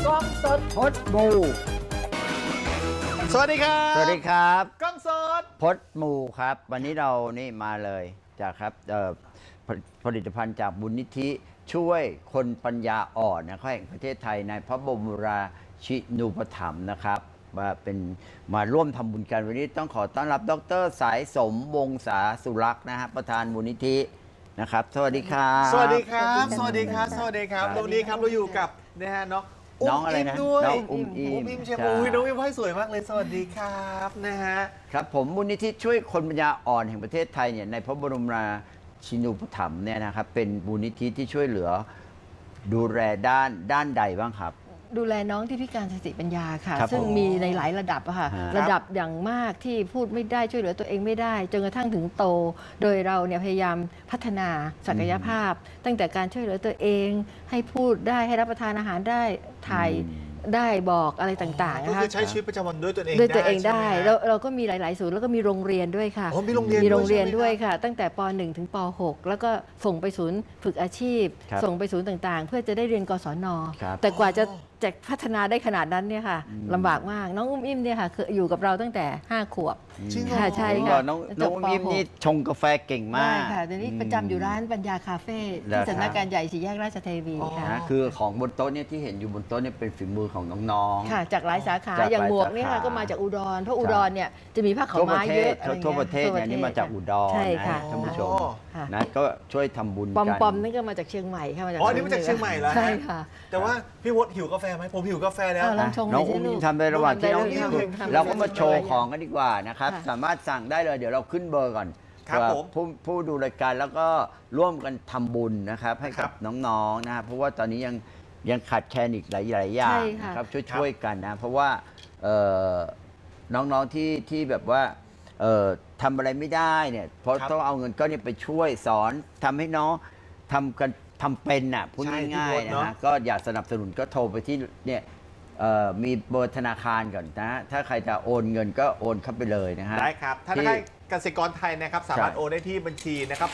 กล้องสดพดมูสวัสดีครับสวัสดีครับกล้องสดพดมูครับ วันนี้เรานี่มาเลยจากครับผลิตภัณฑ์จากบุญนิธิช่วยคนปัญญาอ่อนนะครับแห่งประเทศไทยในพระบรมราชินูปถัมภ์นะครับมาเป็นมาร่วมทำบุญกันวันนี้ต้องขอต้อนรับดร.สายสมวงศาสุรักษ์นะฮะประธานบุญนิธินะครับสวัสดีครับสวัสดีครับ สวัสดีครับ สวัสดีครับวันนี้ครับเราอยู่กับนะฮะน้องอะไรนะด้วยน้องอุ้มอิมเชฟอุ้ยน้องอิมให้สวยมากเลยสวัสดีครับนะฮะครับผมมูลนิธิช่วยคนปัญญาอ่อนแห่งประเทศไทยเนี่ยในพระบรมราชินูปถัมภ์เนี่ยนะครับเป็นมูลนิธิที่ช่วยเหลือดูแลด้านใดบ้างครับดูแลน้องที่พิการสติปัญญาค่ะครับซึ่งผมมีในหลายระดับอะค่ะฮะระดับอย่างมากที่พูดไม่ได้ช่วยเหลือตัวเองไม่ได้จนกระทั่งถึงโต โดยเราเนี่ยพยายามพัฒนาศักยภาพ ตั้งแต่การช่วยเหลือตัวเอง ให้พูดได้ให้รับประทานอาหารได้ถ่ายได้บอกอะไรต่างๆก็นะคะคือใช้ชีวิตประจำวันด้วยตัวเองด้วยตัวเองได้ใช่หมเราก็มีหลาย ๆ ศูนย์แล้วก็มีโรงเรียนด้วยค่ะอ๋อมีโรงเรียนมีโรงเรียนด้วยด้วยใช่ไหมครับค่ะ ตั้งแต่ป .1 ถึงป .6 แล้วก็ส่งไปศูนย์ฝึกอาชีพครับส่งไปศูนย์ต่างๆ เพื่อจะได้เรียนกศนครับแต่กว่าจะพัฒนาได้ขนาดนั้นเนี่ยค่ะลำบากมากน้องอุ้มอิ่มเนี่ยค่ะคืออยู่กับเราตั้งแต่ 5 ขวบจริงเหรอค่ะใช่ผมบค่ะอกน้องจบอุ้มปยิ้มหกนี่ชงกาแฟเก่งมาได้กค่ะตอนนี้ประจำอยู่ร้านปัญญาคาเฟ่เหรอครับที่สำนักงานใหญ่สี่แยกราชเทวีค่ะนะคือของบนโต๊ะเนี่ยที่เห็นอยู่บนโต๊ะเนี่ยเป็นฝีมือของน้องๆค่ะจากหลายสาขาจากหลายอย่างหมวกเนี่ยสาค่ะขาก็มาจากอุดรเพราะอุดรเนี่ยจะมีผ้าขาทั่ววประม้าเทเยศอะอะไรเงี้ยทั่วประเทศเนี่ยนี่มาจากอุดรใช่ค่ะนะท่านผู้ชมค่ะนะก็ช่วยทำบุญปอมกันปอมนี่ก็มาจากเชียงใหม่ค่ะมาจากอ๋อนี่มาจากเชียงใหม่เหรอฮะใช่ค่ะแต่ว่าพี่วดหิวกาแฟไหมผมหิวกาแฟแล้วลองชงหน้น่ออง ยสิอุ้มลูยิ้กมทำในระหว่างที่น้องได้ยิ้มเลยค่ะเราก็มาโชว์ของกันดีกว่านะครับค่ะสามารถสั่งได้เลยเดี๋ยวเราขึ้นเบอร์ก่อนครับเผื่อผมผู้ดูรายการแล้วก็ร่วมกันทำบุญนะครับให้ครักับบ น้องๆนะครับเพราะว่าตอนนี้ยังขาดแคลนอีกหลายอย่างใช่ค่ะนะครับช่วยกันนะเพราะว่าเอ่อน้องๆที่แบบว่าทำอะไรไม่ได้เนี่ยเพราะครับต้องเอาเงินก้อนนี้ไปช่วยสอนทำให้น้องทำเป็นน่ะพูดใช่ง่ายพี่ๆพศเนอะนะฮะก็อยากสนับสนุนก็โทรไปที่เนี่ยมีเบอร์ธนาคารก่อนนะ ถ้าใครจะโอนเงินก็โอนเข้าไปเลยนะฮะได้ครับธนาคารกสิกรไทยนะครับสามารถใช่โอนได้ที่บัญชีนะครับ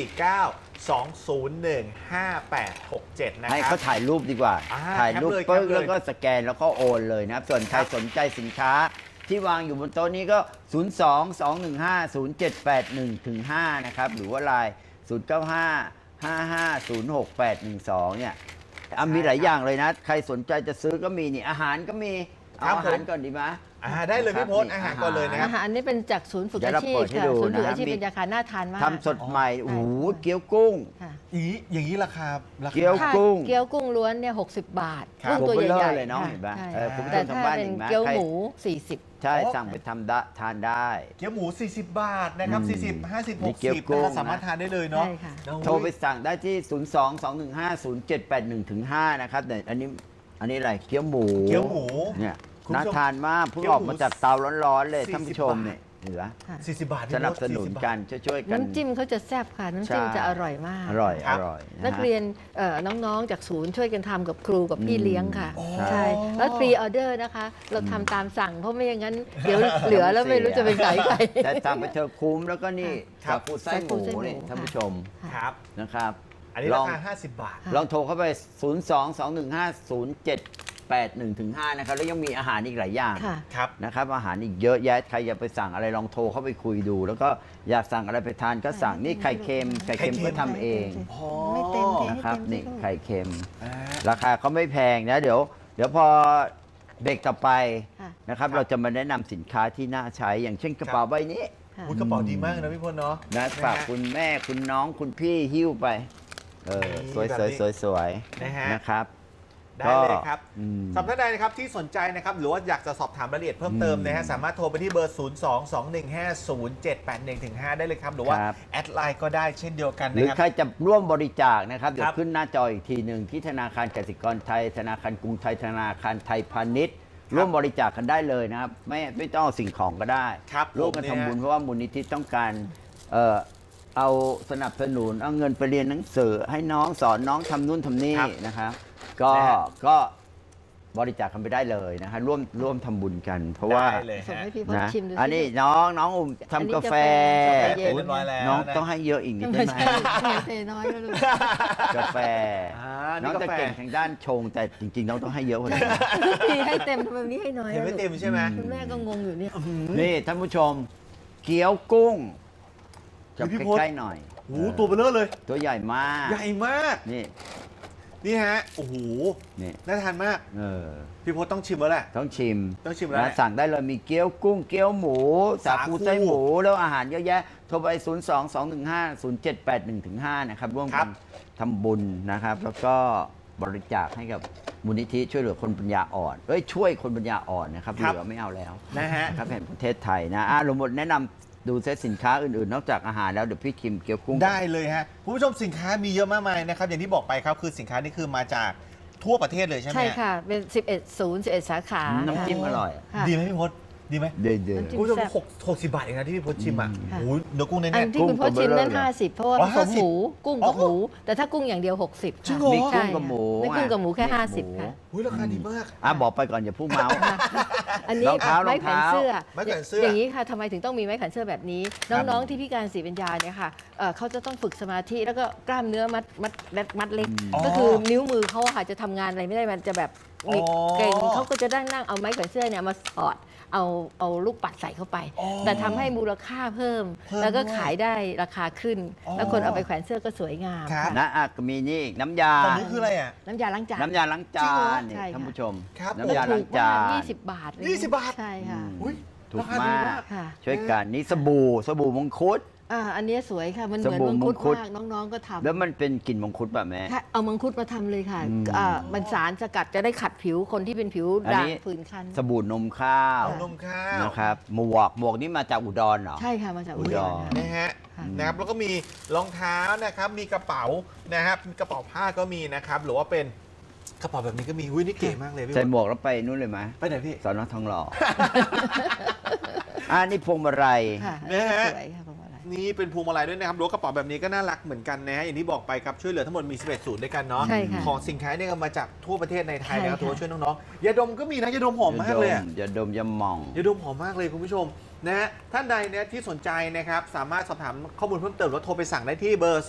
049-201-5867นะให้ครัเขาบถ่ายรูปดีกว่า ถ่ายรูปแคปเลยปึ๊กแคปเลยแล้วก็สแกนแล้วก็โอนเลยนะครับ ส่วนใครครับสนใจสินค้าที่วางอยู่บนโต๊ะนี้ก็ 022150781-5 นะครับ หรือว่าไลน์0955506812 เนี่ยมีหลายอย่างเลยนะ ใครสนใจจะซื้อก็มีนี่อาหารก็มีเอาอาหารก่อนดีไหมได้เลยพี่พศอาหารก่อนเลยนะครัอาบหารนี่เป็นจากศูนย์ฝึกเดี๋ยวอาเราชีพเปิดให้ค่ะดูศูนย์ฝึกนะอาชีพมีเป็นยาคาน่าทานมากทำสดใหม่ใช่โอ้โหเกี๊ยวกุ้งค่ะอย่างนี้ราคาเกี๊ยวถ้ากุ้งเกี๊ยวกุ้งล้วนเนี่ย60 บาทครับกุ้งตัวโอ้โหเบลอใหญ่เลยเนาะค่ะเห็นปะใช่คุณผู้ชแต่มทางถ้าบ้านเป็นเห็นไหมเกี๊ยวใครหมู 40 ใช่อ๋อสั่งไปทานได้เกี๊ยวหมู 40 บาทนะครับ 40 50 นี่เกี๊ยว 60 กุ้นะงครับสามารถทานได้เลยเนาะใช่ค่ะโทรไปสั่งได้ที่ 022150781-5 นะครับแต่อันนี้อะไรเกี๊ยวหมูเกี๊ยวหมูเนี่ยคุณผู้ชมน่าทานมากเพิ่งเกี๊ยวอหมูอกมาจากเตาร้อนๆเลย 40 ท่านผู้ชมเนี่ยเหลือค่ะ 40 บาทพี่สพศนับสนุน 40 กันช่วยๆกันน้ำจิ้มเขาจะแซ่บค่ะ น้ำจิ้มใช่จะอร่อยมากอร่อยครัอบ ร่อยะฮะนักเรียนน้องๆ จากศูนย์ช่วยกันทำกับครูกับพี่เลี้ยงค่ะอ๋อใช่ แล้วพรีออเดอร์นะคะ เราทำตามสั่งเพราะไม่อย่างนั้น เดี๋ยวเหลือแล้วไม่รู้จะไปขายใครแต่สั่งไปเธอะคุ้มแล้วก็นี่ครับสาคูไส้หมูสาคูไส้หมูนี่ท่านผู้ชมครับนะครับอันนี้ลราองคา 50 บาทลองโทรเข้าไป 022150781-5 นะครับ แล้วยังมีอาหารอีกหลายอย่างค่ะครับนะครับ อาหารอีกเยอะแยะ ใครอยากไปสั่งอะไรลองโทรเข้าไปคุยดู แล้วก็อยากสั่งอะไรไปทานก็สั่ง นี่ไข่เค็ม ไข่เค็มก็ทำเองไม่เต็มเทนะครับให้เต็มนี่สิลูกไข่เค็มอ่าราคาเขาไม่แพงนะ เดี๋ยวพอเบรกต่อไปค่ะนะครับ เราจะมาแนะนำสินค้าที่น่าใช้ อย่างเช่นกระเป๋าใบนี้ค่ะอุ๊ยกระเป๋าดีมากนะพี่พลเนาะนะฝากฮคุณแม่คุณน้องคุณพี่หิ้วไปสวยแบบสวยนี้สวยสวยนะฮะนะครับได้เลยครับอืมสำหรับท่านใดนะครับที่สนใจนะครับหรือว่าอยากจะสอบถามรายละเอียดเพิ่มเติมนะฮะสามารถโทรไปที่เบอร์ 022150781-5 ได้เลยครับ หรือว่าครับแอดไลน์ก็ได้เช่นเดียวกันหรือนะคใครรับจะร่วมบริจาคนะครับ เดี๋ยครัวบขึ้นหน้าจออีกทีหนึ่งที่ธนาคารกสิกรไทย ธนาคารกรุงไทย ธนาคารไทยพาณิชย์ ร่วมบริจาคกันได้เลยนะครับ ไม่ต้องเอาสิ่งของก็ได้ครับร่วมกันผมเนี่ยทำบุญเพราะว่ามูลนิธิต้องการเอาสนับสนุนเอาเงินไปเรียนหนังสือให้น้องสอนน้องทำนู่นทำนี่ครับนะครับนะฮะก็บริจาคกันไปได้เลยนะคะร่วมทำบุญกัน เพราะว่าได้เลยส่งฮะให้พี่พจนะน์ชิมดูสิอันนี้น้องอุ่มอันนี้ทำกาแฟกาแฟเย็นเรียบร้อยแล้วน้องนะต้องให้เยอะอีกนิดได้ไม่ไหมใช่เทน้อยแล้วลูกกาแฟนี่น้องกาจะแฟเก่งทางด้านชง แต่จริงๆน้องต้องให้เยอะกว่านี้พี่ให้เต็มทำไมวันนี้ให้น้อยเห็นอะไม่ลูกเต็มใช่ไหมคุณแม่ก็งงอยู่เนี่ยนี่ท่านผู้ชม เกี๊ยวกุ้งจับพี่พศใกล้ๆหน่อยโอ้โหตัวเบลอเลยตัวใหญ่มากใหญ่มากนี่นี่ฮะ โอ้โหนี่น่าทานมากเออพี่พศต้องชิมแล้วแหละต้องชิมต้องชิมแล้วนะสั่งได้เลยมีเกี๊ยวกุ้ง เกี๊ยวหมู สาคูสาคูไส้หมู แล้วอาหารเยอะแยะ โทรไป 022150781-5 นะครับ ร่วมครักับ นทำบุญนะครับ แล้วก็บริจาคให้กับมูลนิธิช่วยเหลือคนปัญญาอ่อนช่วยคนปัญญาอ่อนนะครับ เหลือไม่เอาแล้วนะฮะนะครับแห่งประเทศไทยนะลงหมดแนะนำดูเซตสินค้าอื่นๆ นอกจากอาหารแล้วเดี๋ยวพี่คิมเกี๊ยวกุ้งได้เลยฮะคุณผู้ชมสินค้ามีเยอะมากมายนะครับ อย่างที่บอกไปครับคือสินค้านี่คือมาจากทั่วประเทศเลยใช่ไหมใช่ค่ะ เป็น 11 ศูนย์ 11 สาขาน้ำจิ้มอร่อยค่ะดีไหมพี่พศดีไหมเดือดน้ำจิ้คุณผู้ชมแซ่บ 60 บาทเองนะที่พี่พศชิมอ่ะค่ะโอ้โหเนื้อกุ้งแน่อันที่คุณพ่อชิมนั่นกุ้งกับเบอร์เรอร์ 50 เพราะว่าอ๋อผสมหมู กุ้งกับอ๋อหมู แต่ถ้ากุ้งอย่างเดียว 60 จริงค่ะเหรอมีใช่กุ้งกับหมูไม่กุ้งกับหมูแค่อ่ะ 50 ค่ะๆอุ้ยราคาดีมากบอกไปก่อนอย่าพูดเมาส์อันนี้รองเท้ารองเท้าไม้แขวนเสื้อไม้แขวนเสื้อออย่างนี้ค่ะทำไมถึงต้องมีไม้แขวนเสื้อแบบนี้ น้องๆที่พิการสีปัญญาเนี่ยค่ะเขาจะต้องฝึกสมาธิแล้วก็กล้ามเนื้อมัดเล็กอ๋อก็คือนิ้วมือเขาอะค่ะจะทำงานอะไรไม่ได้มันจะแบบอ๋อเก่งเขาก็จะนั่งเอาไม้แขวนเสื้อเนี่ยมาสอดเอาลูกปัดใส่เข้าไปอ๋อแต่ทำให้มูลค่าเพิ่ม แล้วก็ขายได้ราคาขึ้นอ๋อแล้วคนเอาไปแขวนเสื้อก็สวยงามครับนะก็มีนี่อีกน้ำยาตอนนี้คืออะไรอ่ะน้ำยาล้างจานน้ำยาล้างจาจริงเหรอนนี่ใช่ค่ะท่านผู้ชมครับน้ำยาล้างจาน 20 บาทเลย 20 บาทใช่ค่ะอุ้ยถูกราคาดีมากค่ะช่วยกันนี่สบู่มงคุดอันนี้สวยค่ะ มันเหสมือนบู่มังคุดมังคุดมากน้องๆก็ทำแล้วมันเป็นกลิ่นมังคุดแบบแม่ค่ะเอามังคุดมาทำเลยค่ะอืมมันสารสกัดจะได้ขัดผิวคนที่เป็นผิวอันด่างนี้ผื่นคันสบู่นมข้าวเอานมข้าวนะครับหมวกนี่มาจากอุดรเหรอใช่ค่ะ มาจากอุอุดดรรค่ะนะฮะค่ะนะครับแล้วก็มีรองเท้านะครับมีกระเป๋านะครับมีกระเป๋าผ้าก็มีนะครับหรือว่าเป็นกระเป๋าแบบนี้ก็มีหุ้ยนี่เก๋มากเลยพี่ใส่พศหมวกแล้วไปนู่นเลยไหมไปไหนพี่สอนอทองหล่อ นี่พวงมาลัยค่ะนะฮะสวยค่ะพวงมาลัยนี่เป็นพวงมาลัยด้วยนะครับหรือว่ากระเป๋าแบบนี้ก็น่ารักเหมือนกันนะฮะอย่างที่บอกไปครับช่วยเหลือทั้งหมดมี11ศูนย์ด้วยกันเนาะใช่ค่ะของสินค้าเนี่ยก็มาจากทั่วประเทศในไทยนะครับใช่ค่ะถือว่าช่วยน้องๆยาดมก็มีนะยาดมหอมมากเลยอะอย่าดมอย่ามองยาดมหอมมากเลยคุณผู้ชมนะฮะท่านใดเนี่ยที่สนใจนะครับสามารถสอบถามข้อมูลเพิ่มเติมหรือว่าโทรไปสั่งได้ที่เบอร์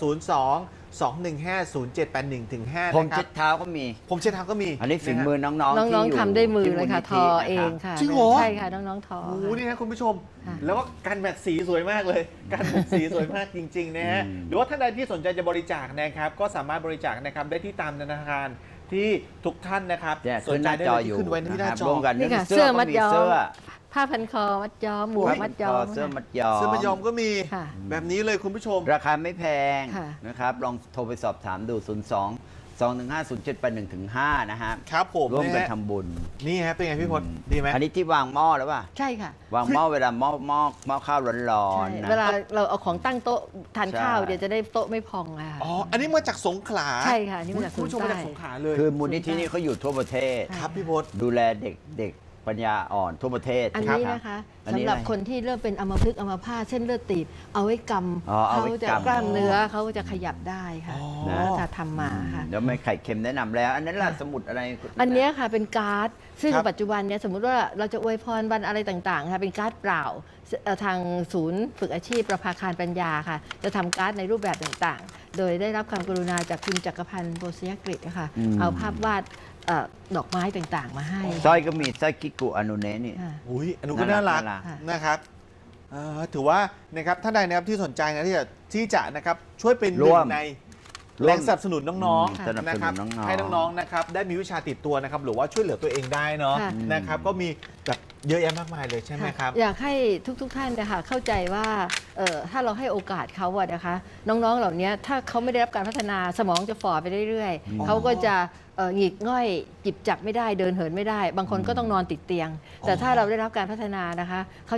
02-215-0781-5 ผมนะครัเช็บดเท้าก็มีผมเช็ดเท้าก็มีอันนี้ฝีะฮะมือน้องๆน้องที่ๆทำด้วยมือเลยค่ะ ทอที่มูลนิธิเองค่ะจริงเหรอใช่ค่ะ น้องๆทอโอ้โหนี่นะคุณผู้ชมค่ะแล้วก็การแมทสีสวยมากเลย การแมทสีสวยมากจริงๆนะฮะหรือว่าท่านใดที่สนใจจะบริจาคนะครับก็สามารถบริจาคนะครับได้ที่ตามธนาคารที่ทุกท่านนะครับเนี่ยสขึ้นนใจหน้าได้จอเลยอยู่ที่ขึ้นไว้ที่หนะน้าครับจอร่วมกันนี่ค่ะเสื้เสื้ออก็มัดมีย้อมเสื้อผ้าพันคอมัดย้อมหมวกมัดย้อมเสื้อค่ะมัดย้อมเสื้อมายอมก็มีค่ะแบบนี้เลยคุณผู้ชมราคาไม่แพงค่ะนะครับ ลองโทรไปสอบถามดู 02-215-0781-5 นะฮะครับผมร่วมกันนะฮะทำบุญนี่ฮะเป็นไงพี่พลดีไหมอันนี้ที่วางหม้อแล้วป่ะใช่ค่ะวางหม้อเวลาหม้อข้าวร้อนใช่ๆนะเวลาเราเอาของตั้งโต๊ะทานใช่ข้าวเดี๋ยวจะได้โต๊ะไม่พองอะค่ะอ๋ออันนี้มาจากสงขลาใช่ค่ะอันนี้มาจากคุณผู้ชมสงขลามาจากสงขลาเลยคือมูลนิธินี่เขาอยู่ทั่วประเทศครับพี่พศดูแลเด็กปัญญาอ่อนทั่วประเทศอันรับนี้นะคะอันนี้สำหรับอะไรคนที่เริ่มเป็นอัมพฤกษ์อัมพาตเส้นเลือดตีบเอาไว้กอ๋อำเอาเขาไว้จะกำกล้ามเนื้อเขาจะขยับได้ค่ะอ๋อถ้าทำมาค่ะเดี๋ยวไม่ไข่เค็มแนะนำแล้ว อันนั้นล่ะสมุดอะไรคุณอันเนี้ยค่ะเป็นการ์ดซึ่งครับปัจจุบันเนี่ยสมมุติว่าเราจะอวยพรวันอะไรต่างๆค่ะเป็นการ์ดเปล่าทางศูนย์ฝึกอาชีพประภาคารปัญญาค่ะ จะทำการ์ดในรูปแบบต่างๆ โดยได้รับความกรุณาจากคุณจักรพันธ์โบสยกฤษนะคะเอาภาพวาดดอกไม้ต่างๆ มาให้สร้อยก็มีสร้อยกิกุอนุเนะนี่ค่ะอุ้ยอันนู้นก็น่ารักน่ารักนะครับถือว่านะครับท่านใดนะครับที่สนใจนะที่จะนะครับช่วยเป็นหนึ่ร่วงมในแรงสนับสนุนน้องสนับๆนะสคนุรับนน้องๆให้น้องๆนะครับได้มีวิชาติดตัวนะครับหรือว่าช่วยเหลือตัวเองได้เนาะค่ะนะครับก็มีแบบเยอะแยะมากมายเลยใช่ไหมครับอยากให้ทุกๆท่านนะคะเข้าใจว่าถ้าเราให้โอกาสเขาอะนะคะ น้องๆเหล่านี้ถ้าเขาไม่ได้รับการพัฒนาสมองจะฝ่อไปเรื่อยอ๋อๆเขาก็จะหงิกง่อยจิบจับไม่ได้เดินเหินไม่ได้ บางคนก็ต้องนอนติดเตียง แต่ถ้าเราได้รับการพัฒนานะคะเขาจะ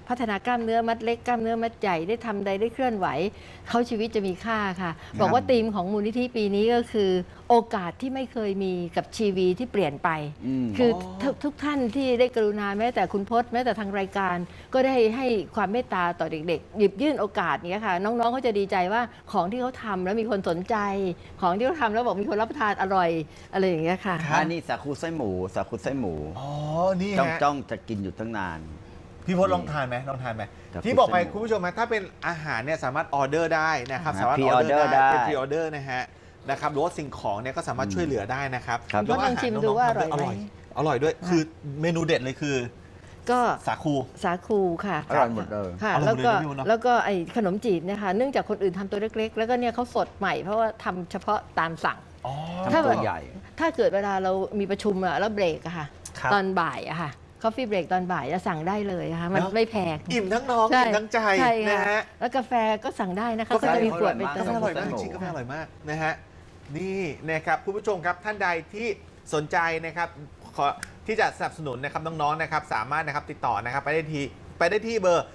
พัฒนากล้ามเนื้อมัดเล็กกล้ามเนื้อมัดใหญ่ได้ทำใดได้เคลื่อนไหวเขาชีวิตจะมีค่าค่ะ บอกว่าธีมของมูลนิธิปีนี้ก็คือ โอกาสที่ไม่เคยมีกับชีวิตที่เปลี่ยนไป คือทุกท่านที่ได้กรุณาแม้แต่คุณพจน์แม้แต่ทางรายการ ก็ได้ให้ความเมตตาต่อเด็กๆ หยิบยื่นโอกาสเนี้ยค่ะ น้องๆเขาจะดีใจว่าของที่เขาทำแล้วมีคนสนใจ ของที่เขาทำแล้วบอกมีคนรับประทานอร่อยอะไรอย่างเงี้ยค่ะอันนี้สาคูไส้หมูสาคูไส้หมูอ๋อ นี่จ้องฮะจ้องจะกินอยู่ตั้งนานพี่พจน์ลองทานไหมลองทานไหมครับที่บอกไปคุณคุณผู้ชมนะถ้าเป็นอาหารเนี่ยสามารถออเดอร์ได้นะครับครับสามารถ pre-order ได้เป็นพรีออเดอร์นะฮะหรือว่าสิ่งของเนี่ยก็สามารถช่วยเหลือได้นะครับครับแล้วลองชิมดูว่าอร่อยไหมอร่อยด้วยคือเมนูเด็ดเลยคือก็สาคูสาคูค่ะอร่อยหมดเลยค่ะอร่แล้อยว หมดก็เลยนะพี่วุ้นเนอะแล้วก็ไอ้ขนมจีบเนี่ยค่ะเนื่องจากคนอื่นทำตัวเล็กๆ แล้วก็เนี่ยเขาสดใหม่เพราะว่าทำเฉพาะตามสั่งอ๋อทำตัวใหญ่ถ้าเกิดเวลาเรามีประชุมอะแล้วเบรกอะค่ะครับตอนบ่ายอะค่ะคอฟฟี่เบรกตอนบ่ายจะสั่งได้เลยอะค่ะมันเนอะไม่แพงอิ่มทั้งน้องอิ่มทั้งใจใช่นะค่ะฮะแล้วกาแฟก็สั่งได้นะคะกาแฟก็จะมีขวดไปอเติกาแฟมอร่อยมากสนุกจริงๆกาแฟอร่อยมากนะฮะนี่นะครับคุณผู้ชมครับท่านใดที่สนใจนะครับที่จะสนับสนุนนะครับน้องๆนะครับสามารถนะครับติดต่อนะครับไปได้ที่เบอร์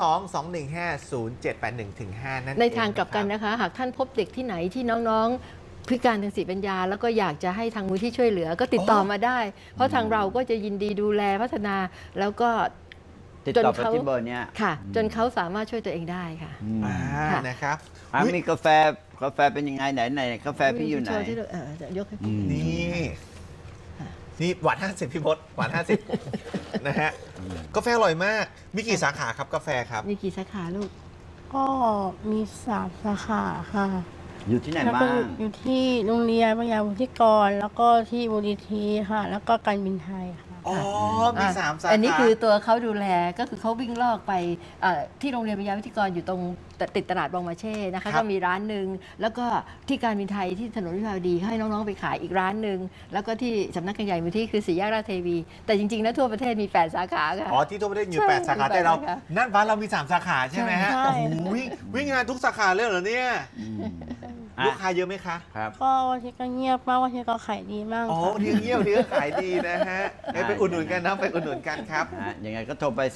022150781-5 นั่นเองในทางกลับกันนะนะคะ หากท่านพบเด็กที่ไหนที่น้องๆพิการทางสติปัญญา แล้วก็อยากจะให้ทางมูลที่ช่วยเหลือก็ติดต่อมาได้ เพราะทางเราก็จะยินดีดูแลพัฒนาแล้วก็ติดจนต่อไปเขาที่เบอร์เนี้ยค่ะ จนเขาสามารถช่วยตัวเองได้ค่ะอ่าค่ะนะครับมีกาแฟเป็นยังไงไหนกาแฟพี่อยู่ไหนโชว์ที่เราจะยกให้อืมนี่หวาน50พี่พศหวาน50 นะฮะกาแฟอร่อยมากมีกี่สาขาครับกาแฟครับมีกี่สาขาลูกก็มี3 สาขาค่ะอยู่ที่ไหนแล้วบ้าก็งอยู่ที่โรงเรียนปัญญาวุฒิกร แล้วก็ที่มูลนิธิค่ะ แล้วก็การบินไทยค่ะอ๋อ มี3 สาขาอันนี้คือตัวเขาดูแลก็คือเขาวิ่งลอกไปที่โรงเรียนปัญญาวิทยากรอยู่ตรงติดตลาดบองมาเช่นะครัคะบก็มีร้านหนึ่งแล้วก็ที่การบินไทยที่ถนนวิภาวดีให้น้องๆไปขายอีกร้านหนึ่งแล้วก็ที่สำนักงานใหญ่มูลที่คือสี่แยกราชเทวี แต่จริงๆแล้วทั่วประเทศมี8สาขาค่ะอ๋อที่ทั่วประเทศอยู่ใช่ 8 สาขามีแต่เรา 8สาขานั่นบ้านเรามี 3 สาขาใช่ไหมฮะใช่โอ้โหวิ่งงานทุกสาขาเลยเหรอเนี่ย ลูกค้าเยอะไหมคะครับก็วันที่ก็เงียบมากวันที่ก็ขายดีมากอ๋อค่ะวันที่เงียบวันที่ก็ขายดีนะฮะไปอุดหนุนกันนะไปอุดหนุนกันครับยังไงก็โทรไป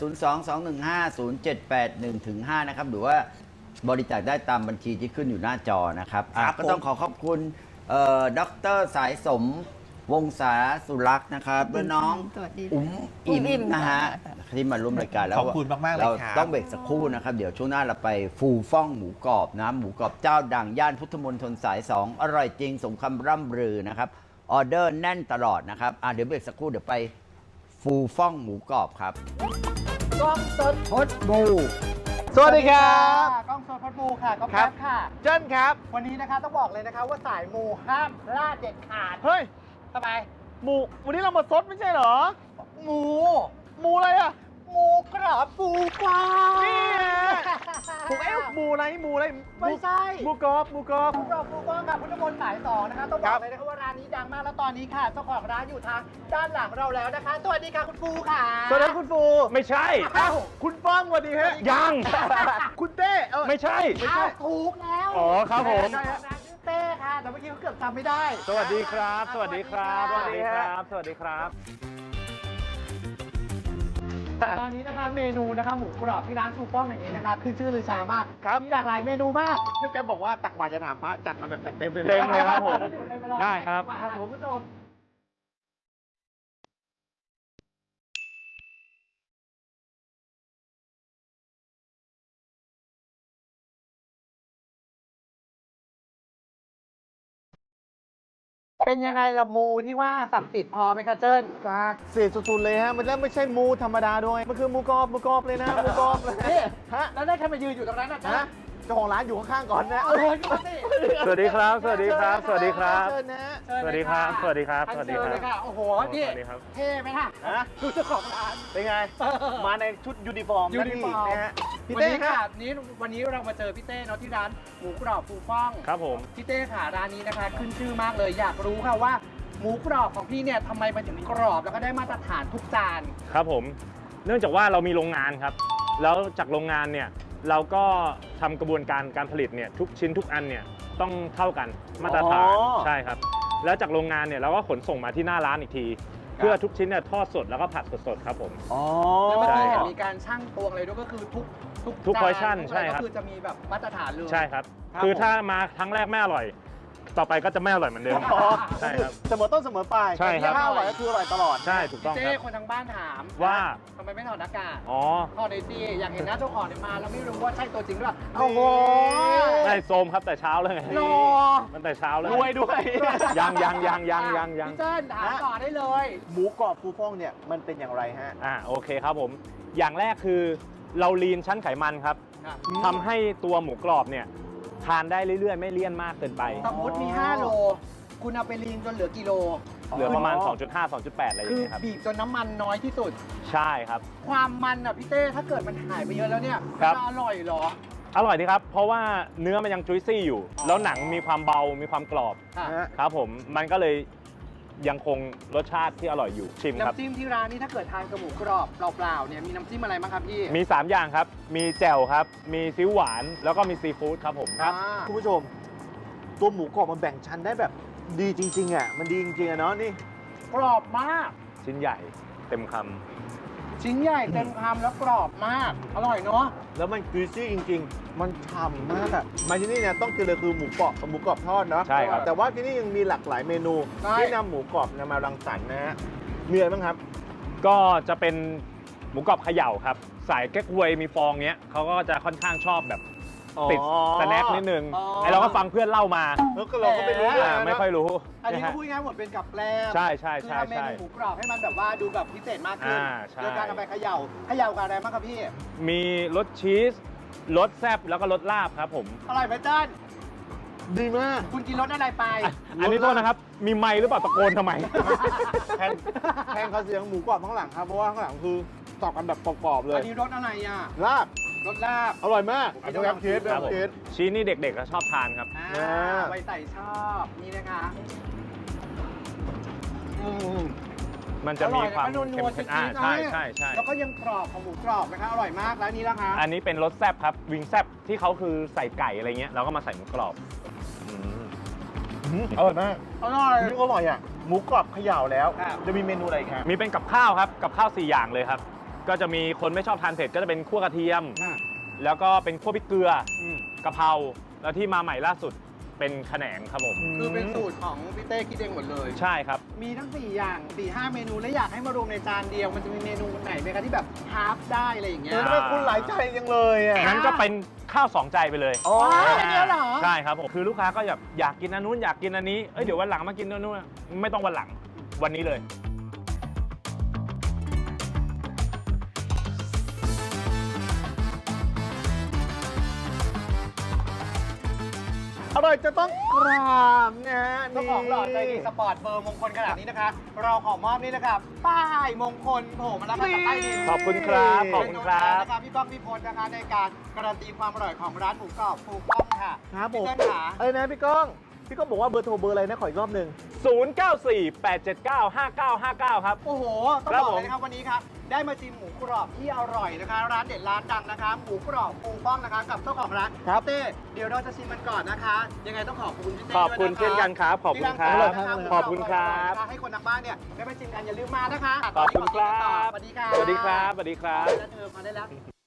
022150781-5 นะครับ หรือว่าบริจาคได้ตามบัญชีที่ขึ้นอยู่หน้าจอนะครับครับก็ต้องขอขอบคุณดรสายสมวงศาสุรักษ์นะครับและน้องสวัสดีอิ่มอิ่มนะฮะที่มาร่วมรายการแล้วขอบคุณมากๆเลยเราครับต้องเบรกสักครู่นะครับ เดี๋ยวช่วงหน้าเราไปฟูฟ่องหมูกรอบนะหมูกรอบเจ้าดังย่านพุทธมณฑลสาย 2 อร่อยจริงสมคำร่ำลือนะครับออเดอร์แน่นตลอดนะครับเดี๋ยวเบรกสักครู่เดี๋ยวไปฟูฟ่องหมูกรอบครับกล้องสดพดบูสวัสดีครับกล้องสดพัดบูค่ะก็ครัแป๊บบค่ะเจิ้นครับวันนี้นะคะต้องบอกเลยนะคะว่าสายมูห้ามพลาดเด็ดขาดเฮ้ยทำไมหมูวันนี้เรามาซดไม่ใช่เหรอหมูหมูอะไรอ่ะหมูกรอบปูปลานี่ฮะผมหมูอะไรหมูอะไรไม่ใช่หมูกรอบหมูกรอบหมูกรอบปูปลากับพุทธมนต์สาย2นะคะต้องบครัอบ กเลยนะคะว่าร้านนี้ดังมากแล้วตอนนี้ค่ะเจ้าของร้านอยู่ทางด้านหลังเราแล้วนะคะสวัสดีค่ะคุณปูค่ะสวัสดีคุณฟูไม่ใช่อ้าวคุณป้องสวัสดีฮะยังคุณเต้เออไม่ใช่อ้าวถูกแล้วอ๋อครับผมร้านชื่อเต้ค่ะแต่เมื่อกี้เขาเกือบจำไม่ได้สวัสดีครับ สวัสดีครับสวัสดีครับสวัสดีครับตอนนี้นะคะเมนูนะคะหมูกรอบที่ร้านชูป้องอย่างนี้นะคะคือชื่อลือชามากครับมีหลากหลายเมนูมากพี่แกบอกว่าตักบาตรจะถามพระจัดมาแบบเต็มเลยเต็มเลยครับผม ได้ครับมาคุณผู้ชม เป็นยังไงละมูที่ว่าศักดิ์สิทธิ์พอไหมคะเจิ้นจากเสียสุดๆเลยฮะ มันไม่ใช่หมูธรรมดาด้วย มันคือหมูกรอบหมูกรอบเลยนะหมูกรอบเลยนี่ฮะแล้วได้แค่มายืนอยู่ตรงนั้นนะเจิ้นฮะเจ้าของร้านอยู่ข้างๆก่อนนะเอาเลยก็มาสิสวัสดีครับ สวัสดีครับ สวัสดีครับเชิญนะฮะเชิญสวัสเลดียครับะสวัสดีครับอันสวัสดีเชิญครับเลยค่ะ โอ้โห นี่สวัสดีครับเท่ไหมคะฮะดูเจ้าของร้านเป็นไง มาในชุดยูนิฟอร์มยูนิฟอร์มนะฮะพี่วันเต้นี้คค่ะรับวันนี้เรามาเจอพี่เต้เนาะที่ร้านหมูกรอบฟูฟ่องครับผมพี่เต้ค่ะร้านนี้นะคะ ขึ้นชื่อมากเลย อยากรู้ค่ะว่าหมูกรอบของพี่เนี่ยทำไมมันถึงกรอบแล้วก็ได้มาตรฐานทุกจานครับผม เนื่องจากว่าเรามีโรงงานครับ แล้วจากโรงงานเนี่ย เราก็ทำกระบวนการการผลิตเนี่ยทุกชิ้นทุกอันเนี่ยต้องเท่ากันมาตรฐานอ๋อใช่ครับ แล้วจากโรงงานเนี่ยเราก็ขนส่งมาที่หน้าร้านอีกที พเพื่อทุกชิ้นเนี่ยทอดสดแล้วก็ผัดสดๆครับผมอ๋อแล้วเมื่อกี้ใช่เห็คน รับมีการชั่งตวงอะไรด้วยก็คือทุกทุกจาน portion ทุกอะใช่ไรครับก็คือจะมีแบบมาตรฐานเลยใช่ครับครับคือผมถ้ามาครั้งแรกไม่อร่อย ต่อไปก็จะไม่อร่อยเหมือนเดิมอ๋อใช่ครับเสมอต้นเสมอปลายใช่ครับแต่ที่ถ้าอร่อยก็คืออร่อยตลอดใช่ถูกต้องเจ้ครับคนทางบ้านถามว่าทำไมไม่ถอดหน้ากากอ๋อถอดในอยสิอยากเห็นหน้าเจ้าของเนี่ยมาแล้วไม่รู้ว่าใช่ตัวจริงหรือเปล่าโอ้โหใช่โซมครับแต่เช้าเลยไงรอมันแต่เช้าเลยรวยด้วยยังพี่เจิ้นถามต่อได้เลยหมูกรอบฟูฟ่องเนี่ยมันเป็นอย่างไรฮะโอเคครับผม อย่างแรกคือเราลีนชั้นไขมันครับครับทำให้ตัวหมูกรอบเนี่ยทานได้เรื่อยๆ ไม่เลี่ยนมากเกินไปสมมติมี 5 โล คุณเอาไปลีนจนเหลือกี่โลเหลือประมาณ 2.5 2.8 อะไรอย่าคืงอเงี้ยครับบีบจนน้ำมันน้อยที่สุดใช่ครับความมันอ่ะพี่เต้ถ้าเกิดมันหายไปเยอะแล้วเนี่ยครับจะอร่อยเหรออร่อยดีครับ เพราะว่าเนื้อมันยังจุยซี่อยู่ แล้วหนังมีความเบา มีความกรอบค่ะฮะครับผม มันก็เลยยังคงรสชาติที่อร่อยอยู่ ชิมครับน้ำจิ้มที่ร้านนี้ถ้าเกิดทานกับหมูกรอบเปล่าๆเนี่ยมีน้ำจิ้มอะไรบ้างครับพี่มี 3 อย่างครับ มีแจ่วครับ มีซีอิ๊วหวาน แล้วก็มีซีฟู้ดครับผมครับคุณผู้ชม ตัวหมูกรอบมันแบ่งชั้นได้แบบดีจริงๆอ่ะมันดีจริงๆอ่ะเนาะนี่กรอบมากชิ้นใหญ่เต็มคชิ้นใหญ่เต็มคำแล้วกรอบมาก อร่อยเนาะแล้วมันจุยซี่จริง ๆ มันฉ่ำมากอะมาที่นี่เนี่ยต้องกินเลยคือหมูกรอบทอดเนาะใช่ครับแต่ว่าที่นี่ยังมีหลากหลายเมนูใช่ที่นำหมูกรอบมารังสรรค์นะฮะมีอะไรบ้างครับำก็จะเป็นหมูกรอบเขย่าครับ สายเก๊กฮวยมีฟองเนี้ยเขาก็จะค่อนข้างชอบแบบติดสแน็คนิดนึง ไอเราก็ฟังเพื่อนเล่ามาแล้วก็เราก็ไม่รู้เรื่องนะไม่ค่อยรู้อันนี้นะก็ฮะพูดง่ายๆหมดเป็นกับแกล้มใช่ใช่คือใช่ทำเมใช่นูหมูกรอบให้มันแบบว่าดูแบบพิเศษมากขึ้นใช่โดยการเอาไปเขย่ากับอะไรบ้างครับพี่มีรสชีสรสแซ่บแล้วก็รสลาบครับผมอร่อยไหมจ้านดีมากคุณกินรสอะไรไปอันนี้โทษนะครับ มีไมค์หรือเปล่าตะโกนทำไมแทนเขาเสียงหมูกรอบข้างหลังครับเพราะว่าข้างหลังคือตอบกันแบบกรอบๆเลอัยนนี้รสอะไรอ่ะลาบรสลาบอร่อยมากผมอันไม่นี้ต้องแบบเชฟลแบองบเชฟชีสนี่เด็กๆก็ชอบทานครับไว้ใส่ชอบนี่นะคะอืมมันจะมีความอร่อยนะเค็มนัวๆๆจริงๆใช่นะใช่ใช่แล้วก็ยังกรอบของหมูกรอบนะคะอร่อยมากแล้วนี่นะคะอันนี้เป็นรสแซ่บครับ วิงแซ่บที่เขาคือใส่ไก่อะไรเงี้ยเราก็มาใส่หมูกรอบอืมอร่อยมากอร่อยนี่ก็อร่อยอ่ะหมูกรอบเขย่าแล้วครับจะมีเมนูอะไรอีกครับมีเป็นกับข้าวครับ กับข้าว 4 อย่างเลยครับ ก็จะมีคนไม่ชอบทานเผ็ดก็จะเป็นคั่วกระเทียม แล้วก็เป็นคั่วพริกเกลือกะเพราแล้วที่มาใหม่ล่าสุดเป็นขะแหนงครับผมคือเป็นสูตรของพี่เต้คิดเองหมดเลยใช่ครับมีทั้ง 4 อย่าง 4-5 เมนูและอยากให้มารวมในจานเดียว มันจะมีเมนูไหนไหมคะที่แบบฮาล์ฟได้อะไรอย่างเงี้ยทำไมคุณหลายใจจังเลยอ่ะงั้นก็เป็นข้าว 2 ใจไปเลยอ๋ออันเดียวเหรอใช่ครับผมคือลูกค้าก็อยากกินอันนู้นอยากกินอันนี้เดี๋ยววันหลังมากินอันนู้นไม่ต้องวันหลังวันนี้เลยอร่อยจะต้องกราบนะฮะเจ้าของหล่อใจดีสปอร์ตเบอร์มงคลขนาดนี้นะคะ เราขอมอบนี่นะครับป้ายมงคลโผล่มาแล้วค่ะจากใต้ดินขอบคุณครับขอบคุณครับนะคะพี่ก้องพี่พลนะคะในการการันตีความอร่อยของร้านหมูกรอบฟูก้องค่ะครับผมพี่เต้นขาเอ้ยนะพี่ก้องบอกว่าเบอร์โทรเบอร์อะไรนะขออีกรอบหนึ่ง 0948795959 ครับโอ้โห ต้องครับบอกผมเลยนะครับวันนี้ครับได้มาชิมหมูกรอบที่อร่อยนะคะ ร้านเด็ดร้านดังนะคะหมูกรอบฟูก้องนะคะกับเจ้าของร้านครับเต้เดี๋ยวเราจะชิมมันก่อนนะคะ ยังไงต้องขอบคุณพี่เต้ขอบคุณด้วยะะเช่นกันครับขอบคุณครับที่างสรรค์นะะขอบคุณครับหมูกอออยๆนะคะให้คนทางบ้านเนี่ยได้มาชิมกันอย่าลืมมานะคะขอบคุณครับสวัสดีค่ะสวัสดีครับสวัสดีครับมาได้แล้วเธอมาได้แล้ว